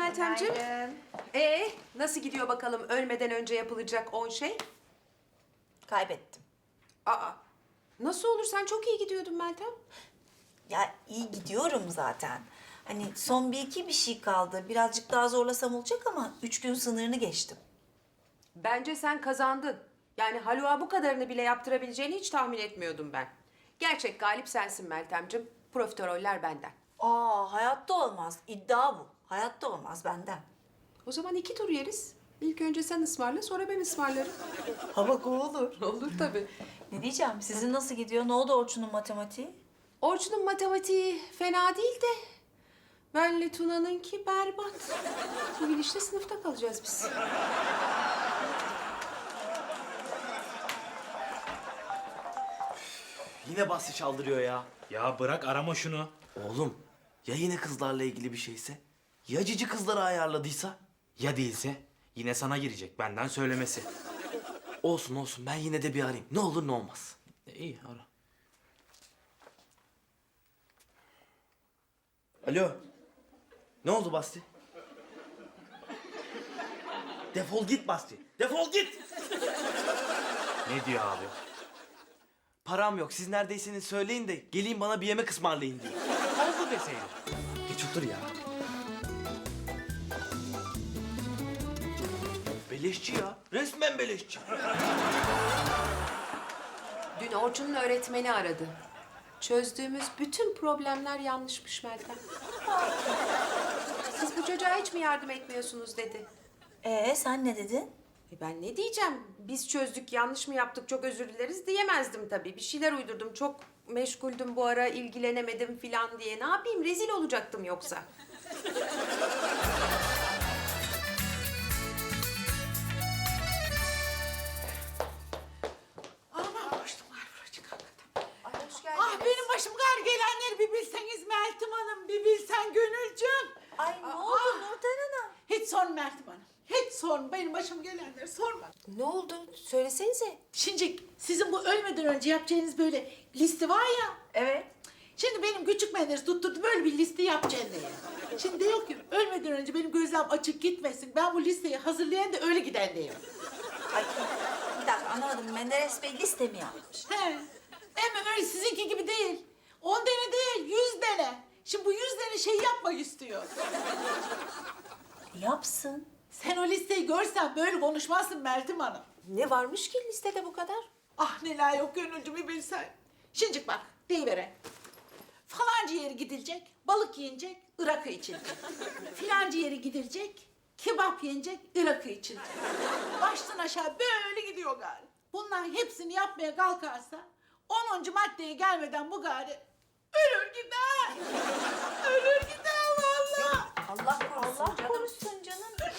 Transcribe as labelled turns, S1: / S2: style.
S1: Meltemciğim. Nasıl gidiyor bakalım ölmeden önce yapılacak 10 şey?
S2: Kaybettim.
S1: Aa, nasıl olur? Sen çok iyi gidiyordun Meltem.
S2: Ya iyi gidiyorum zaten. Hani son bir şey kaldı. Birazcık daha zorlasam olacak ama 3 gün sınırını geçtim.
S1: Bence sen kazandın. Yani Haluk'a bu kadarını bile yaptırabileceğini hiç tahmin etmiyordum ben. Gerçek galip sensin Meltemciğim. Profiteroller benden.
S2: Hayatta olmaz. İddia bu. Hayatta olmaz benden.
S1: O zaman 2 tur yeriz. İlk önce sen ısmarla, sonra ben ısmarlarım.
S2: Ha bak o olur.
S1: Olur tabii.
S2: Ne diyeceğim? Sizin nasıl gidiyor? Ne oldu Orçun'un matematiği?
S1: Orçun'un matematiği fena değil de... ...benle Tuna'nınki berbat. Bu gidişle sınıfta kalacağız biz.
S3: Yine Basri çaldırıyor ya.
S4: Ya bırak arama şunu.
S3: Oğlum ya yine kızlarla ilgili bir şeyse? Ya cici kızları ayarladıysa?
S4: Ya değilse yine sana girecek benden söylemesi.
S3: Olsun olsun ben yine de bir arayayım. Ne olur ne olmaz.
S4: İyi ara.
S3: Alo. Ne oldu Basri? Defol git Basri. Defol git.
S4: Ne diyor abi?
S3: Param yok. Siz neredeyseniz söyleyin de geleyim bana bir yemek ısmarlayın diyor.
S4: Oldu deseydin.
S3: Geç otur ya. Beleşçi ya. Resmen beleşçi.
S1: Dün Orçun'un öğretmeni aradı. Çözdüğümüz bütün problemler yanlışmış Meltem. Siz bu çocuğa hiç mi yardım etmiyorsunuz dedi.
S2: Sen ne dedin?
S1: Ben ne diyeceğim? Biz çözdük, yanlış mı yaptık, çok özür dileriz diyemezdim tabii. Bir şeyler uydurdum, çok meşguldüm bu ara, ilgilenemedim filan diye. Ne yapayım, rezil olacaktım yoksa.
S5: Aman boşluk var buracık hakikaten.
S1: Ay, hoş geldiniz.
S5: Ah benim başım gar gelenleri bir bilseniz Meltem Hanım, bir bilsen Gönülcüm.
S2: Ay ne oldu Nurten Hanım?
S5: Hiç sorma Meltem Hanım. Hiç sorma. Benim başım gelenleri sorma.
S1: Ne oldu? Söylesenize.
S5: Şimdi sizin bu ölmeden önce yapacağınız böyle liste var ya.
S2: Evet.
S5: Şimdi benim küçük Menderes tutturdu böyle bir liste yapacağım diye. Şimdi diyor ki ölmeden önce benim gözlerim açık gitmesin. Ben bu listeyi hazırlayan da öyle giden diyor.
S2: Ay bir dakika anlamadım. Menderes Bey liste mi yapmış?
S5: He. Ama öyle sizinki gibi değil. 10 tane değil, 100 tane. Şimdi bu 100 tane şey yapmak istiyor.
S2: Yapsın.
S5: Sen o listeyi görsen böyle konuşmazsın Meltem Hanım.
S1: Ne varmış ki listede bu kadar?
S5: Ah neler yok Gönülcüm bir bilsen. Şimdi bak deyivere. Falanca yeri gidilecek, balık yiyecek, ırakı içilecek. Filanca yeri gidilecek, kebap yenecek, ırakı içilecek. Baştan aşağı böyle gidiyor gari. Bunların hepsini yapmaya kalkarsa 10. maddeye gelmeden bu gari ölür gider. Ölür gider vallahi.
S2: Allah korusun canım.